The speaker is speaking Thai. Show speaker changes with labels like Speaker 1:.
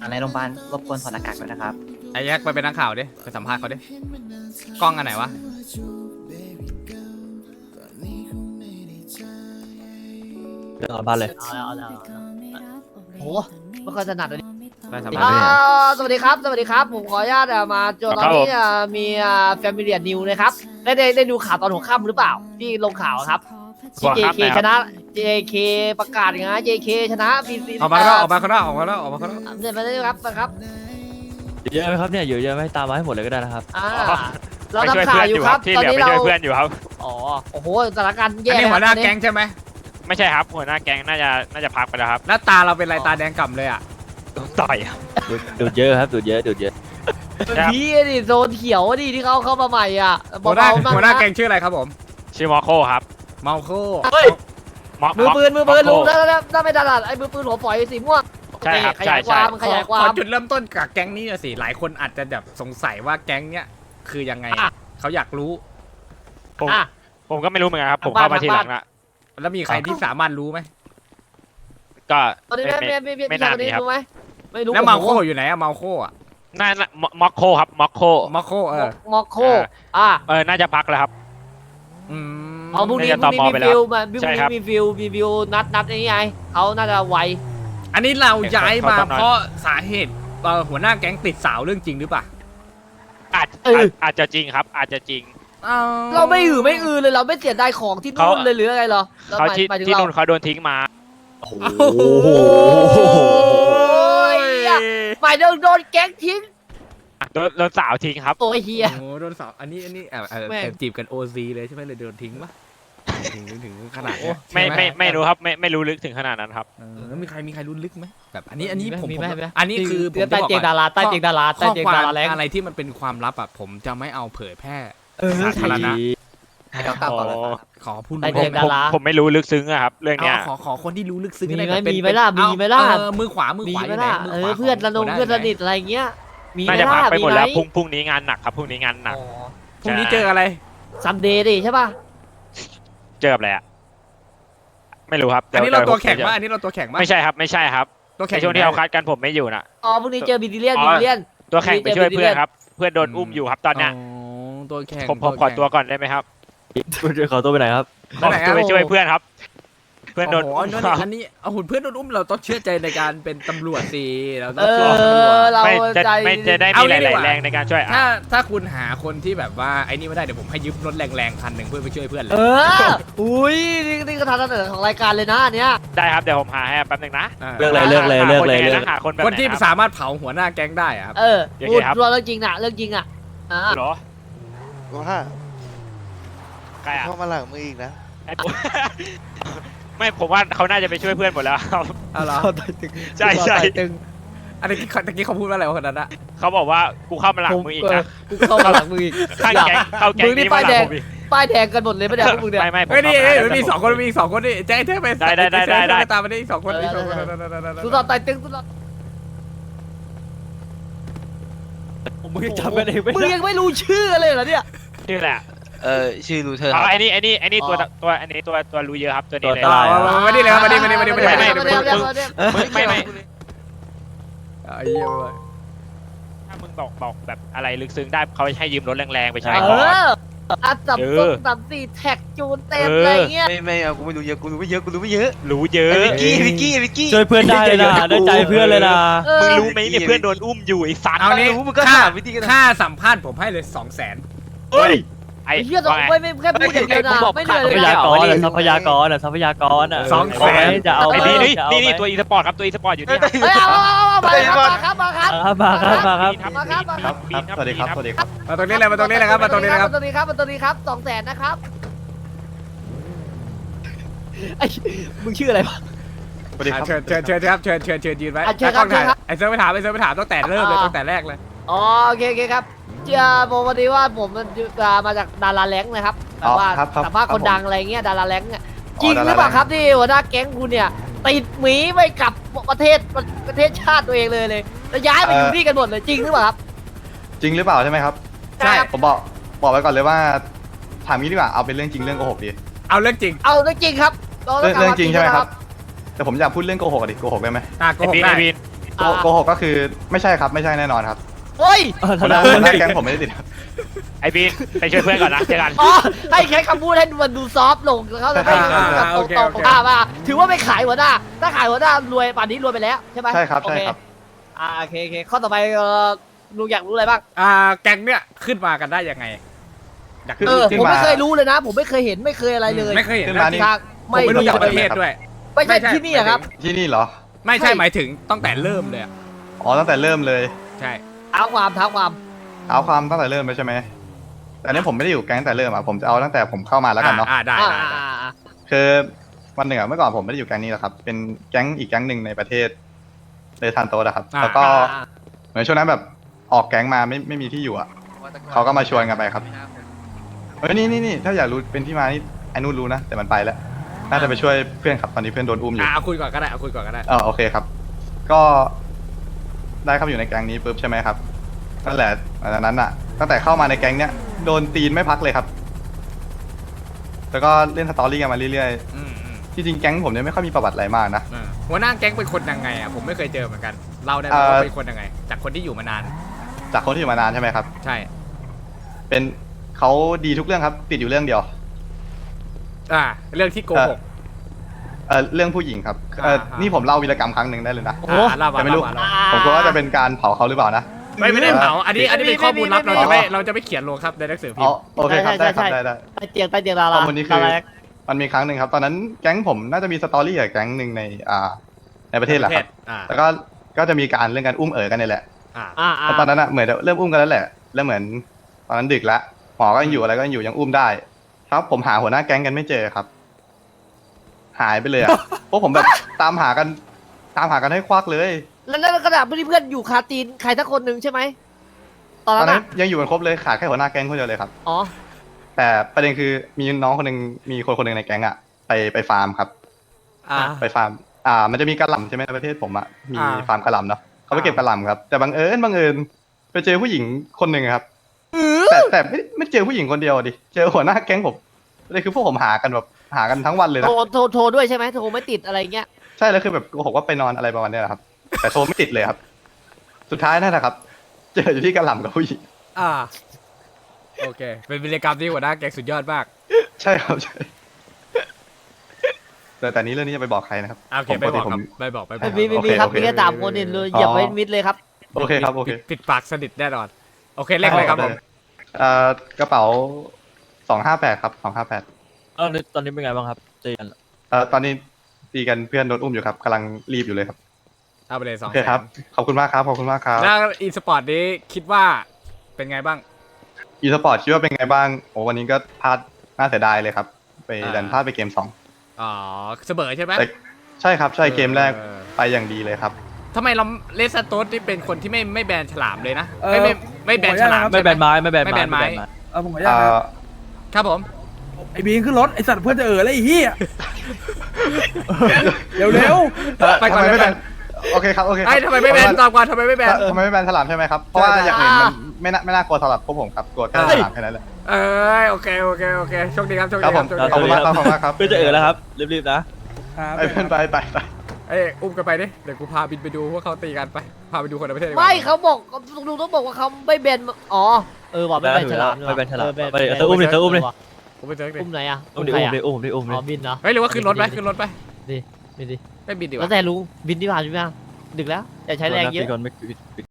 Speaker 1: ในโรงพยาบาลรบกวนถอดหน้ากากด้วยนะครับ
Speaker 2: ไอ้แยกไปเป็นนักข่าวดิไปสัมภาษณ์เขาดิกล้องอันไหนวะ
Speaker 3: เรื่องบ้านเลย
Speaker 4: เอาโหไม่ค่อยถนัดเลย
Speaker 2: ไปสัมภาษณ์ดิ
Speaker 4: สวัสดีครับ สวัสดีครับ ผมขออนุญาตมาจนตอนนี้มีแฟมิเลียนิวนะครับได้ดูข่าวตอนหัวค่ำหรือเปล่าที่ลงข่าวครับที่ JK ชนะ JK ประกาศอย่างนั้น JK ชนะฟี
Speaker 2: ออกมาข้างนอกออกมาข้างนอกออกมาแล้วออกมาข้างนอก
Speaker 4: เนี่ยมาได้ครับนะครับ
Speaker 3: เยอะไหมครับเนี่ยอยู่เยอะไหมตามมาให้หมดเลยก็ได้นะครับ
Speaker 4: เราทำข่าวอยู่ครับตอนนี้เรา
Speaker 5: เพื่อนอยู่ครับ
Speaker 4: อ๋อโอ้โหสถานการณ์
Speaker 2: อั
Speaker 4: แย่
Speaker 2: นนี้หัวหน้าแก๊งใช่ไหม
Speaker 5: ไม่ใช่ครับหัวหน้าแก๊งน่าจะพักไปแล้วครับ
Speaker 2: หน้าตาเราเป็นไรตาแดงก่ำเลยอ่ะ
Speaker 5: ต่อยครับ
Speaker 3: ดูดเยอะครับดูดเยอะดูดเยอะ
Speaker 4: พี่ดิโซนเขียวดิที่เขาเข้ามาใหม่อ่ะ
Speaker 2: หัวหน้า
Speaker 4: เบาๆ
Speaker 2: หัวหน้าแก๊งชื่ออะไรครับผม
Speaker 5: ชื่อมอโคครับ
Speaker 2: เมาโค
Speaker 4: เฮ้ย มือปืน
Speaker 5: มอโค
Speaker 4: ลุงถ้าไม่ถนัดไอ้มือปืนหัวฝอยสีม่วง
Speaker 5: ใช่ครับ
Speaker 4: ขยาย
Speaker 5: ใช่
Speaker 4: ความมันขยายควา
Speaker 2: ขอ
Speaker 4: ม
Speaker 2: จุดเริ่มต้นกับแก๊งนี้หน่อยสิหลายคนอาจจะแบบสงสัยว่าแก๊งเนี้ยคือยังไง
Speaker 4: อ่ะ
Speaker 2: เขาอยากรู้
Speaker 5: ผม
Speaker 4: อ่ะ
Speaker 5: ผมก็ไม่รู้เหมือนกันครับ ผม
Speaker 4: ทางบ้าน
Speaker 5: เข้ามาทีหลังละ
Speaker 2: แล้วมีใครที่สามารถรู้ไหม
Speaker 5: ก็
Speaker 4: ตอนนี้
Speaker 5: ไม่
Speaker 4: ไม่
Speaker 5: นาน
Speaker 4: ตอนนี้
Speaker 5: นี้ครับ
Speaker 4: รู้ไหมไม่รู้
Speaker 2: แล้วเมาโค
Speaker 4: โอ้โห
Speaker 2: อยู่ไหนอะเมาโคอะ
Speaker 5: น่ามอโคครับมอโค
Speaker 2: เมาโค
Speaker 4: มอโคอ่ะ
Speaker 5: น่าจะพักแล้วครับ
Speaker 2: อืม
Speaker 4: เอาพรุ่งนี้
Speaker 5: น่าจะ
Speaker 4: พรุ่งนี้
Speaker 5: ต่อไป
Speaker 4: มี
Speaker 5: แล้ว
Speaker 4: ฟิลมาพรุ่ง
Speaker 5: ใช่
Speaker 4: นี้
Speaker 5: ครับ
Speaker 4: มีฟิลนัดนี้ไงเขาน่าจะไว
Speaker 2: อันนี้เราย้ายมา
Speaker 5: เขาต้องนอน
Speaker 2: เพราะสาเหตุหัวหน้าแก๊งติดสาวเรื่องจริงหรือเปล่า
Speaker 5: อาจจะจริงครับ อาจจะจริง
Speaker 4: เราไม่อือเลยเราไม่เสียดายของที่นู่นเลยหรืออะไรเหรอ
Speaker 5: เขาที่
Speaker 4: หมายถึง
Speaker 5: ที่
Speaker 4: เรา
Speaker 5: นู่นเขาโดนทิ้งมา
Speaker 2: โอ้โห
Speaker 4: โอ้ยหมายถึงโดนแก๊งทิ้ง
Speaker 5: โดนสาวทิ้งครับ
Speaker 4: โอ้ยเฮีย
Speaker 2: โอ้โหโดนสาวอันนี้
Speaker 4: แม่ง
Speaker 2: แอบจีบกันโอซีเลยใช่ไหมเลยโดนทิ้งปะถึงขนาดเนี้ย
Speaker 5: ไม่
Speaker 2: ใช่ห
Speaker 5: ไม่รู้ครับไม่รู้ลึกถึงขนาดนั้นครับ
Speaker 2: แล้วมีใครรู้ลึกไหมแบบอันนี้ผม
Speaker 4: มีไหมมีไหม
Speaker 2: อันนี้คือผมจะ
Speaker 4: ใต้
Speaker 2: บอก
Speaker 4: เตียง
Speaker 2: ก่
Speaker 4: ดา
Speaker 2: อน
Speaker 4: ราใต้เตียงดาราใต้
Speaker 2: ข้อ
Speaker 4: เตียง
Speaker 2: ควา
Speaker 4: ดาม ราแรง
Speaker 2: อะไรที่มันเป็นความลับอ่ะผมจะไม่เอาเผยแพร่
Speaker 4: สา
Speaker 2: ธารณะ
Speaker 1: ให้เรากลับก่อนเลยครับ
Speaker 2: ขอพูด
Speaker 4: ใต้
Speaker 2: รู้
Speaker 4: เตียงดารา
Speaker 5: ผมไม่รู้ลึกซึ้งอะครับ เรื่องเนี้ย
Speaker 2: ขอคนที่รู้ลึกซึ้ง
Speaker 4: มีไหม
Speaker 2: ก็ด้
Speaker 4: มีไหมล่ะ
Speaker 2: เป็น
Speaker 4: มีไหมล่ะ
Speaker 2: มือขวามือ
Speaker 4: มี
Speaker 2: ขวา
Speaker 4: ไหม
Speaker 2: ยู่น
Speaker 4: ล่ะ
Speaker 2: มืขวา
Speaker 4: เพื่อน
Speaker 2: ขง
Speaker 4: ระนง
Speaker 2: หัวหา
Speaker 4: เพื่อนสนิท
Speaker 2: ยู่ไห
Speaker 4: อะไรเงี้ยมีไหม
Speaker 5: น่าจะพัก
Speaker 4: ล่ะ
Speaker 5: ไปหมดแล้ว
Speaker 4: ไห
Speaker 5: พรุ่งนี้งานหนักครับพรุ่งนี้งานหนัก
Speaker 4: อ๋อ
Speaker 2: พรุ่งนี้เจออะไร
Speaker 4: ซัมเดย์ดิใช่ป่ะ
Speaker 5: เจออะไรอะไม่รู้ครับ
Speaker 2: อันนี้เรา
Speaker 5: ดี๋ย
Speaker 2: ตัวแข็ง
Speaker 5: ผม
Speaker 2: มากอันนี้เราตัวแข็งมาก
Speaker 5: ไม่ใช่ครับไม่ใช่ครับ
Speaker 2: ตัวแข็
Speaker 5: ใน
Speaker 2: ง
Speaker 5: ช่วงที่เราคัดกันผมไม่อยู่น่ะ
Speaker 4: อ๋อพรุ่งนี้เจอบิดิเลียน
Speaker 5: อ๋อ
Speaker 4: บิดิเลียน
Speaker 5: ตัวแข่งไปช่วยเพื่อนครับ เพื่อนโดนอุ้มอยู่ครับตอนเนี้ย
Speaker 2: ตัวแข็ง
Speaker 5: ผมขอตัวก่อนได้ไหมครับ
Speaker 3: ขอตัวไปไหนครับ
Speaker 5: ขอตัวไปช่วยเพื่อนครับ เพื่อนโดน
Speaker 2: โอ้
Speaker 5: อุ้ม
Speaker 2: โหอันนี้เอาหุ่นเพื่อนโดนอุ้มเราต้องเชื่อใจในการเป็นตำรวจสิเราต้
Speaker 4: เอ
Speaker 2: องเชื่อตำรวจ
Speaker 4: อเรา
Speaker 5: ไม่จะ
Speaker 4: ใจ
Speaker 5: ไม่จะได้
Speaker 2: เอา
Speaker 5: มีห
Speaker 2: งี้ดี
Speaker 5: ลาย
Speaker 2: กว่า
Speaker 5: ๆแรงในการช่วย
Speaker 2: ถ้าคุณหาคนที่แบบว่าไอ้นี่ไม่ได้เดี๋ยวผมให้ยืมรถแรงๆคันหนึ่งเพื่อไปช่วยเพื่อนเล
Speaker 4: เอย ออุ้ยนี่ก็ทางเสนอของรายการเลยนะอันเนี้ย
Speaker 5: ได้ครับเดี๋ยวผมหาให้แป๊บนึงนะ
Speaker 3: เลือกเลยเลือกเลยเลือกเลย
Speaker 5: หาคนแบบ
Speaker 2: คนที่
Speaker 5: ไหน
Speaker 2: สามารถเผาหัวหน้าแก๊งได้อะครับ
Speaker 4: เออ
Speaker 5: โอเค
Speaker 4: พูด
Speaker 5: ครับ
Speaker 4: เรื่องจริงน่ะเรื่องจริงอ่ะอ่า
Speaker 5: เหรอ
Speaker 6: ว่า
Speaker 5: ใครอ่ะ
Speaker 6: เข้ามาหลังมืออีกนะ
Speaker 5: ไม่ผมว่าเขาน่าจะไปช่วยเพื่อนหมดแล้วครับ
Speaker 2: เอาเหรอ
Speaker 5: ใช่ใช่
Speaker 4: ตึง
Speaker 2: อันนี้ตะกี้เขาพูดว่าอะไรวะคนนั้นอะ
Speaker 5: เขาบอกว่ากูเข้ามาหลังมืออีกนะ
Speaker 4: กูเข้ามาหลังมืออีก
Speaker 5: ข้างแก๊งเข้าแก๊ง
Speaker 4: มึงนี่
Speaker 5: นี้
Speaker 4: ป้าม
Speaker 5: าย ห
Speaker 4: แด
Speaker 5: ลัง
Speaker 4: ง
Speaker 5: ผมอีก
Speaker 4: ป้ายแดงกันหมดเลยไม่ได้พวกมึงเนี่ย
Speaker 5: ไม่ผม
Speaker 2: เฮ้ยนี่
Speaker 5: เข้ามา
Speaker 2: มีสองคนมีสองคนนี่แจ็คเธอไป
Speaker 5: ได้
Speaker 2: ตามมาได้สองคนอีกสองคน
Speaker 4: สุดยอดไต่ตึงสุดยอด
Speaker 3: มึงจำกันเองไม่
Speaker 4: มึง
Speaker 3: ได้
Speaker 4: ยังไม่รู้ชื่อเลยเหรอเนี่ย
Speaker 5: ชื่อแหละ
Speaker 6: ชื่อรูเธอร์ค
Speaker 5: อ๋
Speaker 6: รั
Speaker 5: อบ ไอ้นี่
Speaker 4: อ๋
Speaker 5: ตัว
Speaker 4: อ
Speaker 5: อันนี้ตัวรู้เยอะครับตัวนี้เลย
Speaker 3: ตัวตาย
Speaker 2: มาดิเลยครับมาดิ
Speaker 5: ถ้ามึงบอกแบบอะไรลึกซึ้งได้เขาให้ยืมรถแรงๆไปใช้
Speaker 4: เอ
Speaker 5: ก่อน
Speaker 4: ออัดสับต้นสับสี่แท็กจูนเต็มอะไรเงี้ย
Speaker 6: ไม่เอากูไม่รู้เยอะกูรู้ไม่เยอะกูรู้ไม่เยอะ
Speaker 5: รู้เยอะ
Speaker 6: วิกกี้
Speaker 3: ช่วยเพื่อนได้เลยนะได้ใจเพื่อนเลยนะ
Speaker 5: มึงรู้ไหมเนี่ยเพื่อนโดนอุ้มอยู่ไอ้สัตว์
Speaker 2: เอานี้
Speaker 6: รู้มึงก็ถามวิธีกัน
Speaker 2: ค่าสัมภาษณ์ผมให้เลย200,000
Speaker 5: เฮ้ยไอ้
Speaker 4: ไอ้เหี้ยต้องไม่แค่พูดอย่างเดียวนะไม่เหนื่อย
Speaker 3: ทรั
Speaker 4: เลย
Speaker 3: พยา
Speaker 4: นะ
Speaker 3: กรทรัพยากรทรัพยากรจะเอา
Speaker 5: ไอ้
Speaker 3: ไหม
Speaker 5: นี่ตัวอีสปอร์ตครับตัวอีสปอร์ตอยู่นี่
Speaker 4: เฮ้ยเอามาครับมาครับ
Speaker 3: มาครับมาครับ
Speaker 6: สวัสดีครับสวัสดีครับ
Speaker 2: มาตรงนี้เลยมาตรงนี้เลยครับมาตรงนี้เลยครับ
Speaker 4: มาตรงนี้ครับมาตรงนี้ครับ200,000นะครับไอ้มึงชื่ออะไรวะ
Speaker 6: สวัสดีครับ
Speaker 2: เชิญครับเชิญยืนไว้
Speaker 4: เชิญครับ
Speaker 2: ไอ้เซิร์ฟไปถามตั้งแต่เริ่มเลยตั้งแต่แรกเลย
Speaker 4: อ๋อโอเคครับผมวันนี้ว่าผมมาจากดาราแรงนะครับแบบว่าสัมภาษณ์คนดังอะไรเงี้ยดาราแรงเนี่ยจริงหรือเปล่าครับที่หัวหน้าแก๊งคุณเนี่ยติดหมีไปกับประเทศชาติตัวเองเลยแล้วย้ายไปอยู่ที่กันหมดเลยจริงหรือเปล่าครับ
Speaker 6: จริงหรือเปล่าใช่ไหมครับ
Speaker 4: ใช่ครับ
Speaker 6: ผมบอกไว้ก่อนเลยว่าถามงี้ดีกว่าเอาเป็นเรื่องจริงเรื่องโกหกดี
Speaker 2: เอาเรื่องจริง
Speaker 4: เอาเรื่องจริงครับ
Speaker 6: เรื่องจริงใช่ไหมครับแต่ผมอยากพูดเรื่องโกหกดิโกหกได้ไหม
Speaker 2: โก
Speaker 5: ไอ้
Speaker 2: หก
Speaker 5: บีน
Speaker 2: ได้
Speaker 5: ไอ้บีน
Speaker 6: โกหกก็คือไม่ใช่ครับไม่ใช่แน่นอนครับ
Speaker 4: เฮ้ย
Speaker 6: หัวหน้าแก๊งผมไม่ได้ติดครับ
Speaker 5: ไอ้บีนไปช่วยเพื่อนก่อนนะเจอกัน
Speaker 4: อ๋อให้ใช้คำพูดให้มันดูซอฟต์ลงเขาจะไม่ตรงมาถือว่าไม่ขายหัวหน้าถ้าขายหัวหน้ารวยป่านนี้รวยไปแล้วใช่ไหม
Speaker 6: ใช่ครับใช่ครับ
Speaker 4: โอเคข้อต่อไปลุงอยากรู้อะไรบ้าง
Speaker 2: แก๊งเนี่ยขึ้นมากันได้ยังไงอยาก
Speaker 6: ขึ้น
Speaker 4: ผมไม่เคยรู้เลยนะ ผมไม่เคยเห็นไม่เคยอะไรเลย
Speaker 2: ไม่เคยเห็น
Speaker 6: ขึ้นมานี่
Speaker 4: ทาง
Speaker 2: ผมไม่รู้จักประเทศด้วย
Speaker 4: ไม่ใช่ที่นี่ครับ
Speaker 6: ที่นี่เหรอ
Speaker 2: ไม่ใช่หมายถึงตั้งแต่เริ่มเลยอะ
Speaker 6: อ๋อตั้งแต่เริ่มเลย
Speaker 2: ใช่
Speaker 4: เท้าความ
Speaker 6: เอาความตั้งแต่เริ่มไปใช่ไหมแต่อันนี้ผมไม่ได้อยู่แก๊งตั้งแต่เริ่มอ่ะผมจะเอาตั้งแต่ผมเข้ามาแล้วกันเนาะ
Speaker 2: ได้ได้ได้
Speaker 6: คือวันหนึ่งอะเมื่อก่อนผมไม่ได้อยู่แก๊งนี้หรอกครับ เป็นแก๊งอีกแก๊งหนึ่งในประเทศเลยทานโตะครับ แล้วก็เหมือนช่วงนั้นแบบออกแก๊งมาไม่มีที่อยู่อ่ะเขาก็มาชวนกันไปครับเฮ้ยนี่ถ้าอยากรู้เป็นที่มานี่ไอ้นู่นรู้นะแต่มันไปแล้วน่าจะไปช่วยเพื่อนครับตอนนี้เพื่อนโดนอุ้มอยู่
Speaker 2: เอาคุยก่อนก็ได้เอาคุยก่อนก็ได้
Speaker 6: โอเคครับ ก็ได้เข้าอยู่ในแก๊งนี้ปุ๊บใช่ไหมครับนั่นแหละอันนั้นอ่ะ ตั้งแต่เข้ามาในแก๊งเนี้ยโดนตีนไม่พักเลยครับ แล้วก็เล่นสตอรี่กันมาเรื่อยๆที่จริงแก๊งผมเนี่ยไม่ค่อยมีประวัติอะไรมากนะ
Speaker 2: หัวหน้าแก๊งเป็นคนยังไงอ่ะผมไม่เคยเจอเหมือนกันเล่าได้ไหมว่าเป็นคนยังไง จากคนที่อยู่มานาน
Speaker 6: จากคนที่อยู่มานานใช่ไหมครับ
Speaker 2: ใช่
Speaker 6: เป็นเขาดีทุกเรื่องครับติดอยู่เรื่องเดียว
Speaker 2: เรื่องที่โกหก
Speaker 6: เรื่องผู้หญิงครับ
Speaker 2: อ่า
Speaker 6: นี่ผมเล่าวีรกรรมครั้งหนึ่งได้เลยนะ
Speaker 4: โอ้
Speaker 2: เล่ามา
Speaker 6: แต่ไม่รู้
Speaker 2: เล่ามา
Speaker 6: ผมกลัวว่าจะเป็นการเผาเขาหรือเปล่านะ
Speaker 2: ไม่ได้เผาอันนี้เป็นข้อมูลลับเราจะไม่เขียนลงครับในหนังสือพิมพ์
Speaker 6: โอเคครับได้ครับได้
Speaker 4: ใต้เตียงดารา
Speaker 6: ข้อมูลนี้คือมันมีครั้งหนึ่งครับ ตอนนั้นแก๊งผมน่าจะมีสตอรี่กับแก๊งหนึ่งในประเทศแหละครับแล้วก็จะมีการเรื่องการอุ้มกันนี่แหละแล้วตอนนั้นอะเหมือนเริ่มอุ้มกันแล้วแหละ แล้วเหมือนตอนนั้นดึกแล้วหมอก็ยังอยู่อะไรก็ยังอยู่ยังอุ้มได้ ครับผมหาหัวหน้าแก๊งกันไม่เจอครับ หายไปเลยอะ พวกผมแบบตามหากันให้ควักเลย
Speaker 4: แล้วนั่นขนาดเพื่อนอยู่คาตีนใครสักคนหนึ่งใช่ไหมตอน
Speaker 6: ตอน
Speaker 4: นั้
Speaker 6: นั้น นยังอยู่กันครบเลยขาดแค่หัวหน้าแก๊งคนเดียวเลยครับ
Speaker 4: อ๋อ
Speaker 6: แต่ประเด็นคือมีน้องคนหนึ่งมีคนหนึ่งในแก๊งอะไปฟาร์มครับ ไปฟาร์มมันจะมีกระหล่ำใช่ไหมในประเทศผมอะมีฟาร์มกระหล่ำเนาะเขาไปเก็บกระหล่ำครับแต่บังเอิญไปเจอผู้หญิงคนหนึ่งครับแต่ไม่เจอผู้หญิงคนเดียวดิเจอหัวหน้าแก๊งผมเลยคือพวกผมหากันทั้งวันเลยนะ
Speaker 4: โทรด้วยใช่ไหมโทรไม่ติดอะไรเงี้ย
Speaker 6: ใช่แล้วคือแบบโกหกว่าไปนอนอะไรประมาณเนี้ยครับ แต่โทรไม่ติดเลยครับ สุดท้ายนั่นแหละครับ เจออยู่ที่กระหล่ำกับผู้หญิง
Speaker 2: โอเคเป็นวิรกรรมที่หัวหน้าแก๊งสุดยอดมาก
Speaker 6: ใช่ครับใช่แต่นี้เรื่องนี้จะไปบอกใครนะครับ
Speaker 2: โอเคไม่บอกครับไม่บอก
Speaker 4: มีครับมีแค่สามคนเองเลยอย่าไปมิดเลยครับ
Speaker 6: โอเคครับโอเค
Speaker 2: ปิดปากสนิทแน่นอนโอเคเลขอะไรครับผม
Speaker 6: กระเป๋า258ครับ258
Speaker 3: ตอนนี้เป็นไงบ้างครับเจน
Speaker 6: ตอนนี้ตีกันเพื่อนโดนอุ้มอยู่ครับกำลังรีบอยู่เลยครับ
Speaker 2: เอาไปเลย
Speaker 6: โอเคครับขอบคุณมากครับขอบคุณมากครับ
Speaker 2: แล้วอีสปอร์ตนี้คิดว่าเป็นไงบ้าง
Speaker 6: อีสปอร์ตคิดว่าเป็นไงบ้างโอ้วันนี้ก็พลาดน่าเสียดายเลยครับไปดันพลาดไปเกม2
Speaker 2: อ๋อเสมอใช่ไหม
Speaker 6: ใช่ครับใช่เกมแรกไปอย่างดีเลยครับ
Speaker 2: ทำไมเราเลสโตสที่เป็นคนที่ไม่แบนฉลามเลยนะไม่แบนฉลาม
Speaker 3: ไม่แบนไม้ไม่แบน
Speaker 2: ไม่แบนไม้
Speaker 7: ผมขออนุญาตครับ
Speaker 2: ครับผม
Speaker 7: ไอ้บีนขึ้นรถไอ้สัตว์เพื่อนจะแล้วไอ้เหี้ยเร็ว
Speaker 2: ไปก่อน
Speaker 6: ทำไม
Speaker 2: ไป
Speaker 6: ไม่
Speaker 2: ก่
Speaker 6: แบ
Speaker 2: อน
Speaker 6: นโอเคครับโอเคครับ
Speaker 2: ไอ้ทำไมไม่แบนตอบก่อนทำไมไม่แบน
Speaker 6: ทำไมไม่แบนฉลามใช่ไหมครับเพราะว่าอย่างอื่นมันไม่น่ากลัวสำหรับพวกผมครับกลัวแค่ฉลามแค่นั้นแหละ
Speaker 2: โอเคโชคดีครับโชค
Speaker 6: ครั
Speaker 2: ดี
Speaker 6: บ
Speaker 2: ค
Speaker 6: ผ
Speaker 2: รั
Speaker 6: ม
Speaker 2: บโชค
Speaker 6: ขอบ
Speaker 2: ดี
Speaker 6: คุณมากครับขอบคุณมากครับ
Speaker 3: เพื่อจะแล้วครับรีบๆนะ
Speaker 7: ๆ
Speaker 6: ไปเพื่อนไป
Speaker 2: อุ้มกันไปดิเดี๋ยวกูพาบินไปดูว่าเขาตีกันไปพาไปดูคนในประเทศ
Speaker 4: ไม่เขาบอกลุงต้องบอกว่าเขาไม่เบนอ๋อบอกไม่เบนฉลาม
Speaker 3: ไม่เป็นฉลามไปเธออุ้มเลยเธออุ้มเลย
Speaker 2: กูไปเจอดิ
Speaker 4: อุ้มไหนอ่ะ
Speaker 3: อุ้มดิ
Speaker 4: ใคร
Speaker 3: อุ้มดิอุ้มดิอุ้มดิ
Speaker 4: อ๋อบินเนาะ
Speaker 2: เฮ้ยหรือว่าขึ้นรถไป
Speaker 4: บินดิ
Speaker 2: ไม่บินดีก
Speaker 4: แล้ว
Speaker 2: ว่า
Speaker 4: แต่ลุงบินดีกว่าใช่ไหมดึกแล้วอย่าใช้แรงเยอะ
Speaker 3: ก่อนไม่